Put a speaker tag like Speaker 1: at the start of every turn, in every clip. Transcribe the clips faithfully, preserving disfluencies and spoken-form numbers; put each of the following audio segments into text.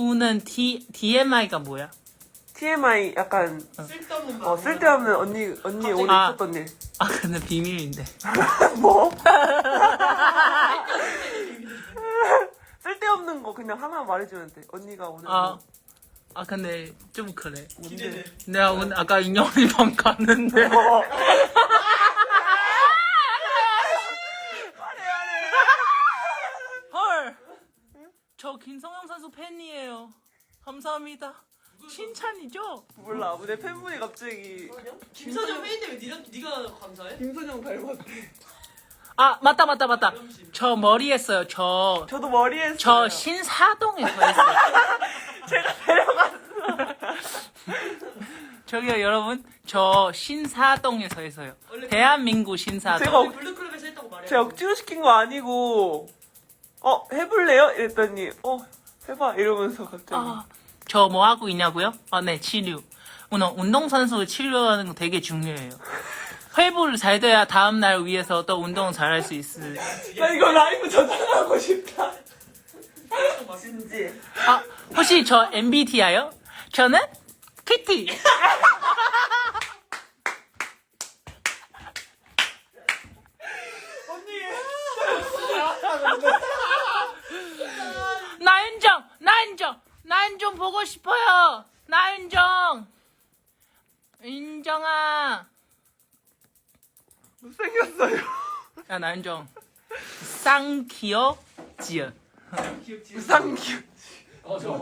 Speaker 1: 지수는 T, 디엠아이가 뭐야?
Speaker 2: 티엠아이 약간
Speaker 3: 쓸데없는
Speaker 2: 어, 쓸데없는 언니 언니 오늘
Speaker 1: 아.
Speaker 2: 있었던 일.
Speaker 1: 아 근데 비밀인데.
Speaker 2: 뭐? 쓸데없는 거 그냥 하나 말해주면 돼. 언니가 오늘
Speaker 1: 아,
Speaker 2: 뭐
Speaker 1: 아 근데 좀 그래.
Speaker 3: 기대돼.
Speaker 1: 내가 오늘 아까 인형이 방 갔는데.
Speaker 2: 뭐.
Speaker 1: 헐. 저 김성형 선수 팬이에요. 감사합니다. 칭찬이죠?
Speaker 2: 몰라. 내 팬분이 갑자기
Speaker 3: 김서정 팬인데 왜 니가, 니가 감사해?
Speaker 2: 김선영 닮았대.
Speaker 1: 아 맞다 맞다 맞다. 저 머리 했어요. 저.
Speaker 2: 저도 머리 했어요.
Speaker 1: 저 신사동에서 했어요.
Speaker 2: 제가 데려갔어.
Speaker 1: 저기요 여러분, 저 신사동에서 했어요. 대한민국 신사동.
Speaker 2: 제가
Speaker 3: 우리 블루클럽에서 했다고 말해.
Speaker 2: 제가 억지로 시킨 거 아니고 어 해볼래요? 이랬더니 어 해봐 이러면서 갑자기
Speaker 1: 아, 저 뭐 하고 있냐고요? 아, 네, 치료. 오늘 운동선수 치료하는 거 되게 중요해요. 회복을 잘 돼야 다음날 위해서 또 운동을 잘 할 수 있을.
Speaker 2: 나 이거 라이브 저장하고 싶다. 진지.
Speaker 1: 아, 혹시 저 엠비티아이요? 저는 키티. 나윤정, 나윤정, 나윤정 보고 싶어요. 나윤정, 인정아.
Speaker 2: 못생겼어요.
Speaker 1: 야 나윤정, 쌍키어 지연.
Speaker 2: 우상규.
Speaker 4: 어, 저.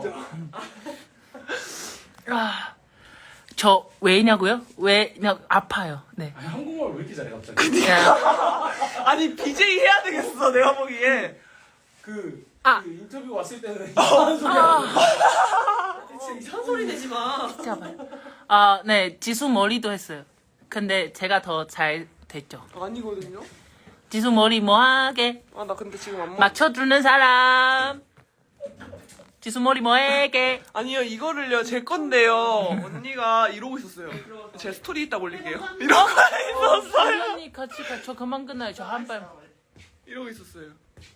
Speaker 1: 아, 저 왜냐고요? 왜 그냥 아파요. 네.
Speaker 4: 아니, 한국말 왜 이렇게 잘해, 갑자기?
Speaker 1: 야,
Speaker 2: 아니 비제이 해야 되겠어 내가 보기에.
Speaker 4: 그,
Speaker 1: 아.
Speaker 4: 그 인터뷰 왔을 때는 이상한 소리 하고.
Speaker 3: 진짜 이상한 소리 내지 마.
Speaker 1: 진짜 봐요. 아, 네, 지수 머리도 했어요. 근데 제가 더 잘 됐죠.
Speaker 2: 아니거든요.
Speaker 1: 지수 머리 뭐하게
Speaker 2: 아 나 근데 지금 안 먹.
Speaker 1: 맞춰주는 사람. 지수 머리 뭐하게.
Speaker 2: 아니요 이거를요 제 건데요. 언니가 이러고 있었어요. 제 스토리 이따 올릴게요. 이러고 있었어요.
Speaker 1: 언니 같이 가. 저 그만 끝나요. 저 한 발.
Speaker 2: 이러고 있었어요.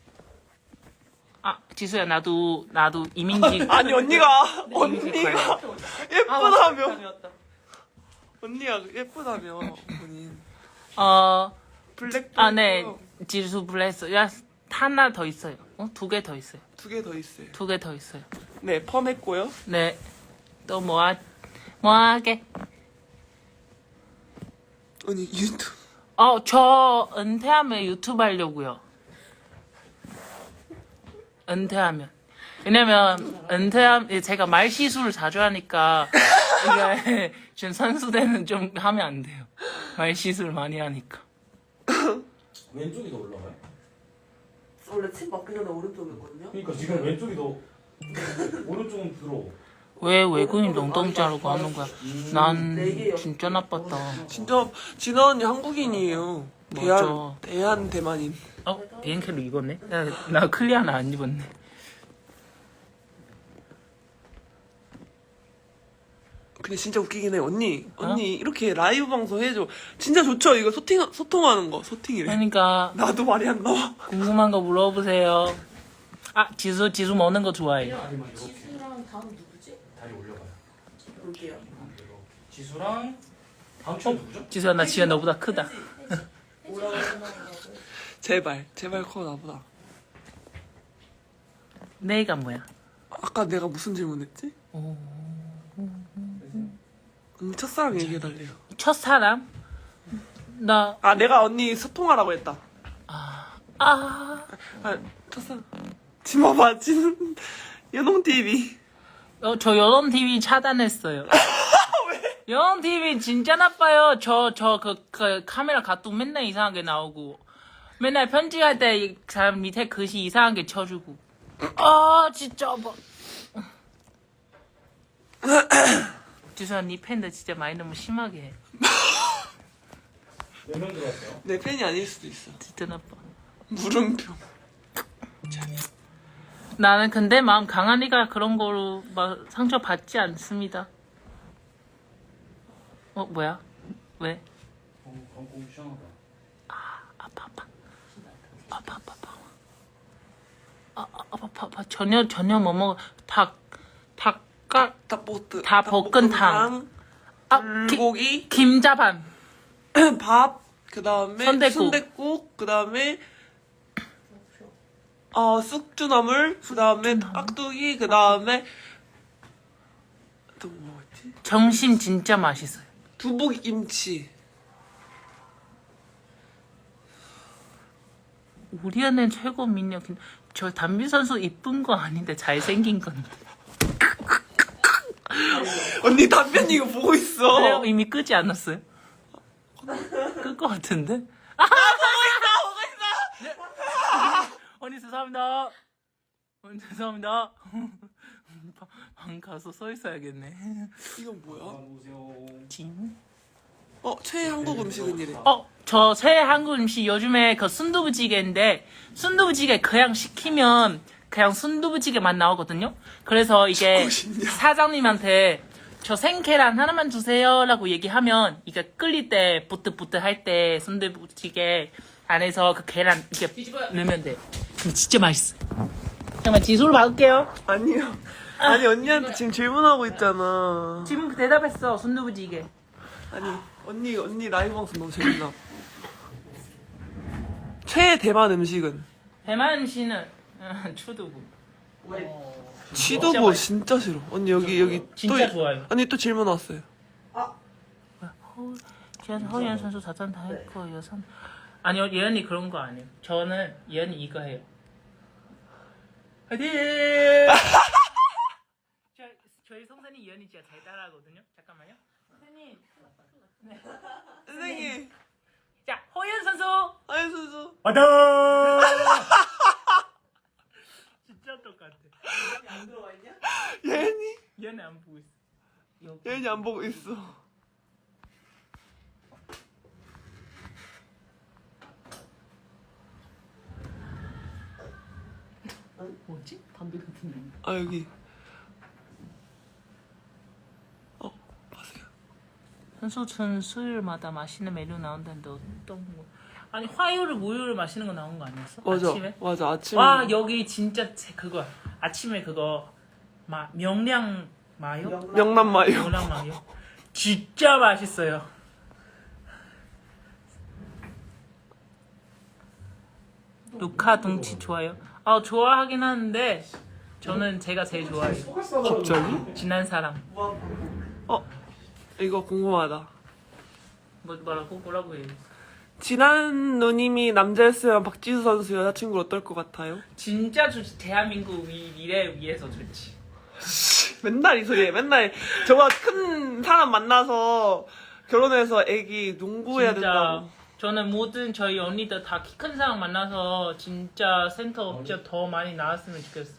Speaker 1: 아, 지수야 나도 나도 이민지.
Speaker 2: 아니 언니가
Speaker 1: 네,
Speaker 2: 언니가 예쁘다며. 언니가 예쁘다며 본인.
Speaker 1: 어,
Speaker 2: 블랙.
Speaker 1: 아, 네, 지수 블레스. 야, 하나 더 있어요. 어, 두 개 더 있어요.
Speaker 2: 두개 더 있어요.
Speaker 1: 두 개 더 있어요.
Speaker 2: 네 펌했고요.
Speaker 1: 네. 또 뭐하 뭐하게.
Speaker 2: 언니 유튜브.
Speaker 1: 어, 저 은퇴하면 유튜브 하려고요. 은퇴하면. 왜냐면 은퇴하면 제가 말 시술을 자주 하니까 이게 지금 선수 때는 좀 하면 안 돼요. 말 시술 많이 하니까.
Speaker 4: 왼쪽이 더 올라가요?
Speaker 2: 원래 침 맞기 전에 오른쪽이거든요.
Speaker 4: 그러니까 지금 왼쪽이 더. 오른쪽은 들어.
Speaker 1: 왜 외국인 엉덩이 자르고 하는 거야? 난 진짜 나빴다.
Speaker 2: 진짜 진아 언니 한국인이에요. 대한
Speaker 1: 맞아.
Speaker 2: 대한 대만인.
Speaker 1: 어? 비행캐로 입었네? 나, 나 클리어는 안 입었네.
Speaker 2: 근데 진짜 웃기긴 해. 언니 언니 이렇게 라이브 방송 해줘. 진짜 좋죠. 이거 소팅 소통하는 거 소팅이래.
Speaker 1: 그러니까
Speaker 2: 나도 말이 안 나와.
Speaker 1: 궁금한 거 물어보세요. 아, 지수, 지수 먹는 거 좋아해.
Speaker 4: 다리만 이렇게.
Speaker 3: 지수랑 다음 누구지?
Speaker 4: 다리 올려봐요.
Speaker 3: 볼게요.
Speaker 4: 지수랑 다음 주 누구죠?
Speaker 1: 지수야, 나 지금 너보다 크다.
Speaker 2: 제발 제발 커 나보다.
Speaker 1: 내가 뭐야?
Speaker 2: 아까 내가 무슨 질문했지?
Speaker 1: 오.
Speaker 2: 언니 첫사랑 얘기해달래요.
Speaker 1: 첫사람? 나,
Speaker 2: 아 내가 언니 소통하라고 했다.
Speaker 1: 아,
Speaker 2: 아 첫사랑. 진 봐봐 진 연홍 티비.
Speaker 1: 어, 저 여론 티비 차단했어요. 왜? 여론 티비 진짜 나빠요. 저, 저, 그, 그, 카메라 가뚝 맨날 이상하게 나오고. 맨날 편집할 때 이 사람 밑에 글씨 이상하게 쳐주고. 아, 진짜, 뭐. 지수야, 니 팬들 진짜 많이 너무 심하게 해.
Speaker 4: 몇 명 들어왔어요?
Speaker 2: 내 팬이 아닐 수도 있어.
Speaker 1: 진짜 나빠.
Speaker 2: 물음표.
Speaker 1: 나는 근데 마음 강한이가 그런 거로 막 상처 받지 않습니다. 어, 뭐야? 왜?
Speaker 4: 어, 광고 시원하다.
Speaker 1: 아파, 아파. 아파, 아파, 아파. 아, 아, 아파, 아파, 아파. 전혀, 전혀 못 먹어. 닭, 까
Speaker 2: 닭볶음
Speaker 1: 닭볶음탕. 아, 기-
Speaker 2: 불고기
Speaker 1: 김자반.
Speaker 2: 밥 그다음에
Speaker 1: 순댓국.
Speaker 2: 순댓국 그다음에 어 쑥주나물 그다음에 깍두기 그다음에 또 뭐였지?
Speaker 1: 점심 진짜 맛있어요.
Speaker 2: 두부김치.
Speaker 1: 우리 애는 최고 민혁. 저 담비 선수 이쁜 거 아닌데 잘생긴 건데.
Speaker 2: 언니 답변 이거 보고 있어.
Speaker 1: 그래요? 이미 끄지 않았어요? 끌 것 같은데? 아,
Speaker 2: 보고 있어, 보고 있어.
Speaker 1: 언니 죄송합니다. 언니 죄송합니다. 방- 방 가서 서 있어야겠네.
Speaker 2: 이건 뭐야?
Speaker 4: 보세요.
Speaker 1: 진?
Speaker 2: 어 최애 한국 음식은이래.
Speaker 1: 어, 저 새 한국 음식 요즘에 그 순두부찌개인데 순두부찌개 그냥 시키면 그냥 순두부찌개만 나오거든요. 그래서 이게
Speaker 2: 죽고 싶냐?
Speaker 1: 사장님한테 저 생계란 하나만 주세요라고 얘기하면 이게 끓일 때 부뜨부뜨 할 때 순두부찌개 안에서 그 계란 이렇게 넣으면 돼. 그럼 진짜 맛있어. 잠깐만 지수를 받을게요.
Speaker 2: 아니요. 아니 언니한테 지금 질문하고 있잖아.
Speaker 1: 지금 대답했어. 순두부찌개.
Speaker 2: 아니 언니 언니 라이브 방송 너무 재밌나? 최애 대만 음식은?
Speaker 1: 대만 씨는 어, 추두부.
Speaker 2: 취두부 진짜 싫어. 언니 여기 여기
Speaker 1: 진짜
Speaker 2: 또
Speaker 1: 좋아요.
Speaker 2: 언니 또 질문 왔어요.
Speaker 1: 지금 허연 선수 자전 다 했고 여선 아니요 예언이 그런 거 아니에요. 저는 예언이 이거 해요. 화이팅! 저, 저희 성산이 예언이 진짜 잘 따라하거든요. 잠깐만요. 선생님. 네.
Speaker 2: 선생님.
Speaker 1: 자 허연 선수.
Speaker 2: 아이 수수.
Speaker 1: 화이팅! 진짜 똑같아.
Speaker 3: 안 들어와 있냐?
Speaker 2: 예은이
Speaker 1: 얘는 안 보고 있어. 여기.
Speaker 2: 예은이 안 보고 있어.
Speaker 1: 뭐지? 담배 같은 거.
Speaker 2: 아 여기. 어 보세요.
Speaker 1: 선수촌 수요일마다 맛있는 메뉴 나온다는데 어떤 거? 아니 화요일 목요일 맛있는 거 나온 거 아니었어?
Speaker 2: 맞아
Speaker 1: 아침에?
Speaker 2: 맞아 아침에.
Speaker 1: 와 여기 진짜 제- 그거 아침에 그거 마 명량 마요?
Speaker 2: 명란마요.
Speaker 1: 명량 마요? 진짜 맛있어요. 루카 둥치 좋아요? 아 좋아하긴 하는데 저는 제가 제일 좋아해요.
Speaker 2: 갑자기?
Speaker 1: 지난 사람.
Speaker 2: 어 이거 궁금하다.
Speaker 1: 뭐 뭐라고 뭐라고 해요?
Speaker 2: 지난 누님이 남자였으면 박지수 선수 여자친구 어떨 것 같아요?
Speaker 1: 진짜 좋지. 대한민국 위, 미래 위해서 좋지.
Speaker 2: 맨날 이 소리해. 맨날 저보다 큰 사람 만나서 결혼해서 애기 농구해야
Speaker 1: 진짜
Speaker 2: 된다고.
Speaker 1: 저는 모든 저희 언니들 다 키 큰 사람 만나서 진짜 센터 업체 더 많이 나왔으면 좋겠어.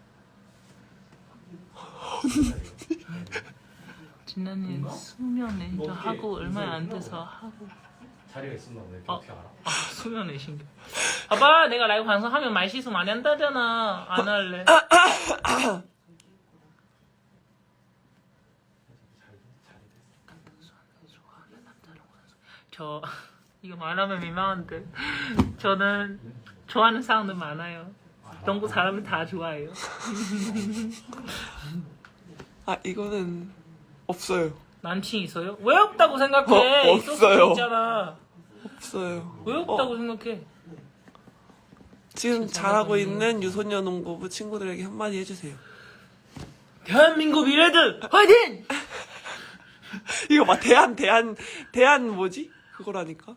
Speaker 1: 지난해 수면 레인저 하고 얼마 안 돼서 하고
Speaker 4: 자리가 있었나 보네.
Speaker 1: 어.
Speaker 4: 어떻게 알아?
Speaker 1: 아 수면 레신겨. 봐봐 내가 라이브 방송하면 말 실수 많이 한다잖아. 안 할래. 저 이거 말하면 민망한데 저는 좋아하는 사람들 많아요. 농구 사람은 다 좋아해요.
Speaker 2: 아 이거는 없어요.
Speaker 1: 남친 있어요? 왜 없다고 생각해?
Speaker 2: 어,
Speaker 1: 있을
Speaker 2: 없어요.
Speaker 1: 수도 있잖아.
Speaker 2: 없어요.
Speaker 1: 왜 없다고
Speaker 2: 어,
Speaker 1: 생각해?
Speaker 2: 지금 잘하고 있는 유소년 농구부 친구들에게 한마디 해주세요.
Speaker 1: 대한민국 미래들 화이팅!
Speaker 2: 이거 막 대한 대한 대한 뭐지? 그거라니까.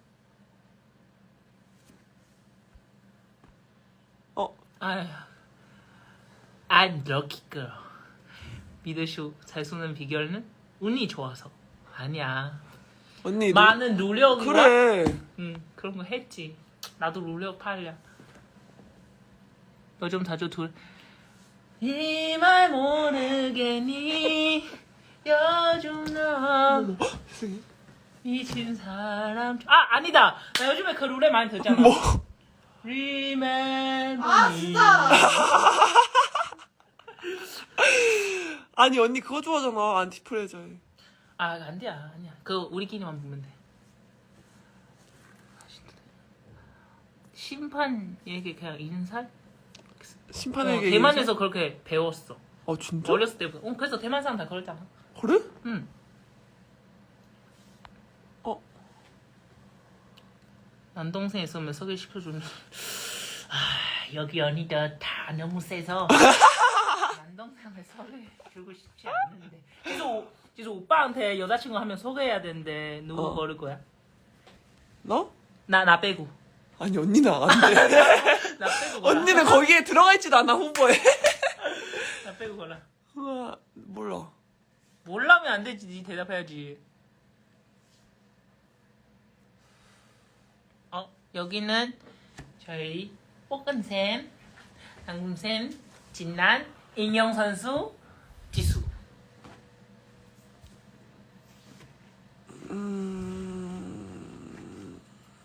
Speaker 2: 어
Speaker 1: 아휴, I'm lucky girl. 미드쇼 잘 쏘는 비결은 운이 좋아서. 아니야.
Speaker 2: 언니
Speaker 1: 많은 노력과
Speaker 2: 그래.
Speaker 1: 응 그런 거 했지. 나도 노력 팔려. 요즘 자주 둘. 이 말 모르겠니? 요즘 너
Speaker 2: 세상에.
Speaker 1: 미친 사람. 아 아니다. 나 요즘에 그 노래 많이 듣잖아.
Speaker 2: 뭐?
Speaker 1: Remember
Speaker 3: 아,
Speaker 1: me.
Speaker 3: 진짜!
Speaker 2: 아니 언니 그거 좋아하잖아. 안티프레저에.
Speaker 1: 아 안돼야 아니야. 그거 우리끼리만 보면 돼. 심판 얘기 그냥 인살? 어,
Speaker 2: 심판에게
Speaker 1: 대만에서 그렇게 배웠어.
Speaker 2: 아 진짜?
Speaker 1: 어렸을 때부터. 어, 그래서 대만 사람 다 그러잖아.
Speaker 2: 그래?
Speaker 1: 응.
Speaker 2: 어.
Speaker 1: 남동생 있으면 소개시켜주는. 아, 여기 언니들 다 너무 세서 남동생을 소개해주고 싶지 않는데. 그래서, 오- 그래서 오빠한테 여자친구 하면 소개해야 되는데 누구
Speaker 2: 어.
Speaker 1: 고를 거야?
Speaker 2: 나?
Speaker 1: 나, 나 빼고.
Speaker 2: 아니 언니는 안 돼.
Speaker 1: 나 빼고 골라.
Speaker 2: 언니는 거기에 들어가 있지도 않아 후보에.
Speaker 1: 나 빼고 골라.
Speaker 2: 우와 몰라.
Speaker 1: 몰라면 안 되지. 니 대답해야지. 어, 여기는 저희 뽀끈샘, 당금샘, 진난, 인형 선수, 지수.
Speaker 2: 음...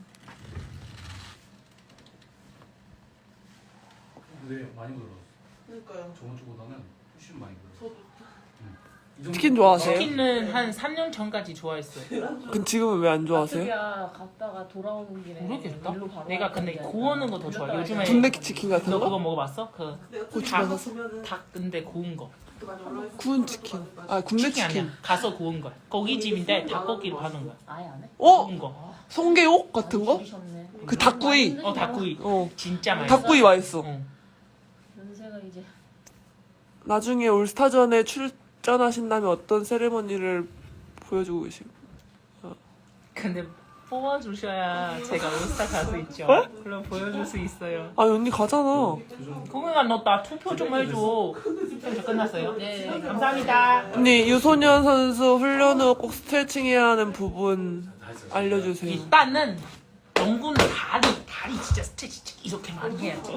Speaker 4: 근데 많이 늘었어.
Speaker 3: 그러니까요.
Speaker 4: 저번 주보다는 훨씬 많이 늘었어.
Speaker 3: 저도
Speaker 4: 이 정도-
Speaker 2: 치킨 좋아하세요?
Speaker 1: 치킨은 한 삼 년 전까지 좋아했어요.
Speaker 2: 그럼 지금은 왜 안 좋아하세요?
Speaker 3: 야 갔다가 돌아오는 길에
Speaker 1: 모르겠다.
Speaker 3: 일로 바로
Speaker 1: 내가 근데
Speaker 3: 가야
Speaker 1: 구우는 거 더 좋아. 요즘에
Speaker 2: 군대 치킨 같은
Speaker 1: 너 그거
Speaker 2: 거?
Speaker 1: 먹어봤어? 그
Speaker 2: 고추장
Speaker 1: 닭 근데 구운 거.
Speaker 2: 구운 치킨. 아 군대
Speaker 1: 치킨
Speaker 2: 치킨.
Speaker 1: 아니야. 가서 구운 거야. 고깃집인데 닭고기로 하는 거야.
Speaker 3: 아예 안 해?
Speaker 2: 어?
Speaker 1: 구운 거.
Speaker 2: 성게옥 같은 거?
Speaker 3: 줄이셨네.
Speaker 2: 그 닭구이.
Speaker 1: 어 닭구이.
Speaker 2: 어.
Speaker 1: 진짜 맛있어.
Speaker 2: 닭구이 맛있어.
Speaker 1: 응.
Speaker 3: 연세가 이제
Speaker 2: 나중에 올스타전에 출전하신다면 어떤 세레머니를 보여주고 계시고?
Speaker 1: 근데 뽑아주셔야 제가 올스타 갈 수 있죠. 그럼 보여줄 수 있어요.
Speaker 2: 아 언니 가잖아.
Speaker 1: 공연아 너 나 투표 좀 해줘. 투표 끝났어요. 네 감사합니다.
Speaker 2: 언니 유소년 선수 훈련 후 꼭 스트레칭 해야 하는 부분 알려주세요.
Speaker 1: 일단은 농구는 다리 다리 진짜 스트레치 이렇게 많이 해야지.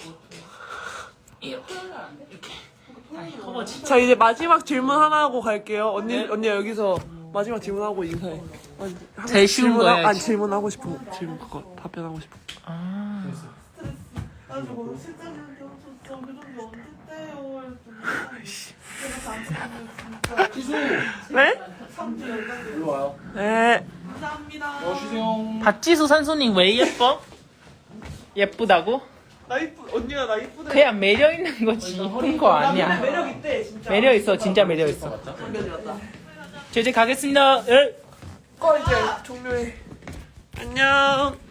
Speaker 1: 이렇게 이렇게. 아니 허벅지.
Speaker 2: 자 이제 마지막 질문 하나 하고 갈게요. 언니 언니 여기서 마지막 질문하고 인사해. 아니, 하고
Speaker 1: 제일 쉬운
Speaker 2: 질문,
Speaker 1: 거
Speaker 2: 아니
Speaker 1: 해야지.
Speaker 2: 질문하고 싶은 거 질문 그거 답변하고 싶어.
Speaker 1: 아.
Speaker 3: 아 저거 실장님한테 엄청 저 교정이 언제 떼요?
Speaker 4: 지수
Speaker 2: 네?
Speaker 4: 일로 와요.
Speaker 2: 네.
Speaker 3: 감사합니다.
Speaker 4: 어 쉬세요.
Speaker 1: 박지수 선수님 왜 예뻐? 예쁘다고?
Speaker 2: 나 이쁘 언니가 나 이쁘다.
Speaker 1: 그냥 매력 있는 거지 이쁜 거 아니야.
Speaker 3: 매력 있대 진짜.
Speaker 1: 매력 있어 진짜 매력 있어.
Speaker 3: 장면이 왔다.
Speaker 1: 저 이제 가겠습니다. 예.
Speaker 2: 거 이제 종료해. 안녕.